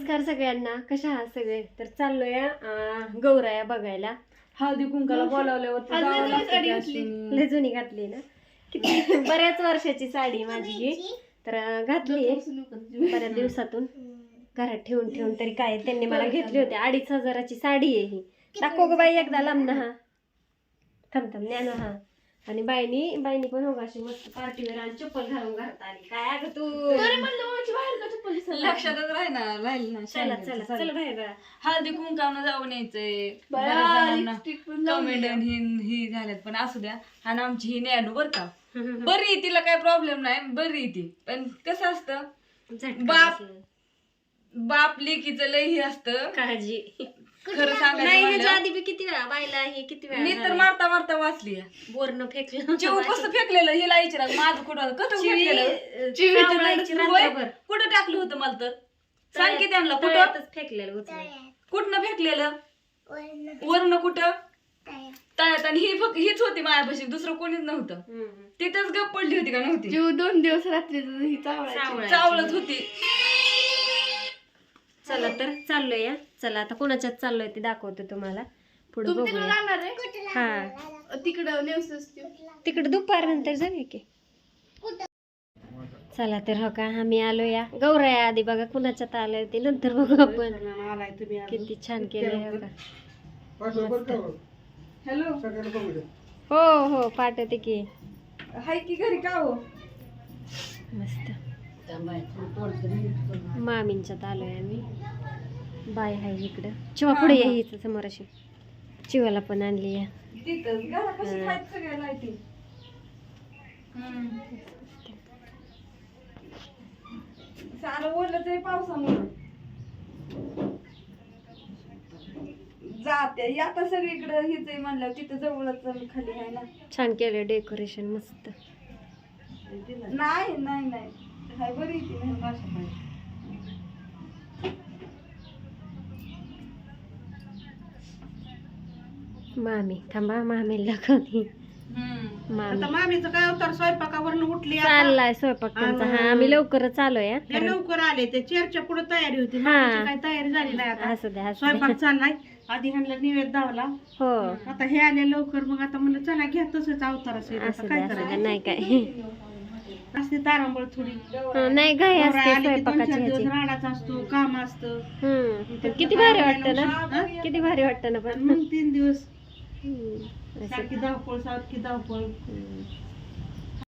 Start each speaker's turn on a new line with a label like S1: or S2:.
S1: नमस्कार सगळ्यांना, कशा आहात सगळे? तर चाललोय गौराया बघायला.
S2: हळदी कुंकाला बोलावल्यावर
S1: लय जुनी घातली ना, किती बऱ्याच वर्षाची साडी माझी ही. तर घातली बऱ्याच दिवसातून घरात ठेवून ठेवून तरी काय, त्यांनी मला घेतली होती. 2500ची साडी आहे ही. दाखव ग बाई एकदा लांब ना. हा थांब ज्ञान. हा आणि बाईनी पण हो अशी मस्त पार्टीवर आणि चप्पल घालून घरात आली. काय अगं तू
S2: लक्षातच राहील ना.
S1: चला चला चल बाहेर.
S2: हळदी कुंकावनं जाऊन यायचंय. कमेंट ही झाल्यात पण असू द्या. आणि आमची ही नॅनू बर का बरी, तिला काय प्रॉब्लेम नाही, बरी ती. पण कसं असतं बाप लेकीचं लय ही असतं
S1: काळजी.
S2: खरं
S1: नाही ह्याच्या
S2: सांगायचं
S1: आधी बी किती वेळा बायला हे किती वेळा
S2: मी तर मारता मारता वाचली.
S1: बोरनं फेकलं
S2: चिव कसं फेकलेलं हिला विचारा. माझं कुठं कुठं टाकलं होतं मला तर सांग की त्यांना. कुठं
S1: फेकलेलं
S2: कुठनं फेकलेलं? वरनं कुठं? तळ्यात. आणि हीच होती मायापाशी, दुसरं कोणीच नव्हतं. तिथंच गप पडली होती का नव्हती?
S3: 2 दिवस रात्री
S2: चावलत होती.
S1: चला तर चाललोय. चला आता कोणाच्यात चाललोय ते दाखवतो तुम्हाला पुढे बघूया.
S3: जाणार आहे
S1: हा
S3: तिकडं
S1: तिकडे दुपारनंतर जाऊया की. चला तर हो का आम्ही आलो या गौराया आधी बघा कुणाच्यात आलोय ते नंतर बघू आपण. किती छान केलंय हो का.
S2: हॅलो
S1: हो हो पाठवते की.
S2: हाय की घरी का हो?
S1: मस्त मामींच्यात आलोय आम्ही. बाय हाय इकडं. चिवा पुढे या हिच समोर अशी. चिवाला पण आणली या.
S2: तिथंच घरा कशी खायचं सगळ्या लाईटी. सारं ओढलंच आहे पावसामुळे. जाते आता सगळीकडे हिच आहे म्हणलं, तिथं जवळच खाली आहे ना.
S1: छान केलं डेकोरेशन मस्त.
S2: नाही नाही नाही हाय बरी ती नाही माझ्या.
S1: मामी थांबा मामीला दाखवते. मामी
S4: मामीचं काय अवतार स्वयंपाकावरून उठली आता.
S1: चाललाय स्वयंपाक त्यांचा. हा आम्ही लवकरच आलोय.
S4: लय लवकर आले ते चेअरच्या पुढे तयारी होती.
S1: हा.
S4: मामीची काय तयारी झाली नाही आता.
S1: असू द्या असू
S4: स्वयंपाक
S1: द्या.
S4: चाललाय. आधी ह्यांना निवेद दावला.
S1: हो
S4: आता हे आले लवकर, मग आता म्हणलं चला घ्या तसंच अवतार असेल.
S1: असू
S4: आता
S1: द्या
S4: काय
S1: असू द्या.
S4: करायचं
S1: नाही काय
S4: असते तारांबळ थोडी.
S1: नाही घाई
S4: नवरा
S1: असते
S4: आली की 2-4
S1: स्वयंपाकाची
S4: दिवस
S1: ह्याची.
S4: राडाचा असतो, काम असतं.
S1: पण किती भारी वाटतं ना. किती भारी वाटतं ना पण.
S4: मग 3 दिवस
S1: असं.
S4: सारखी धावपळ.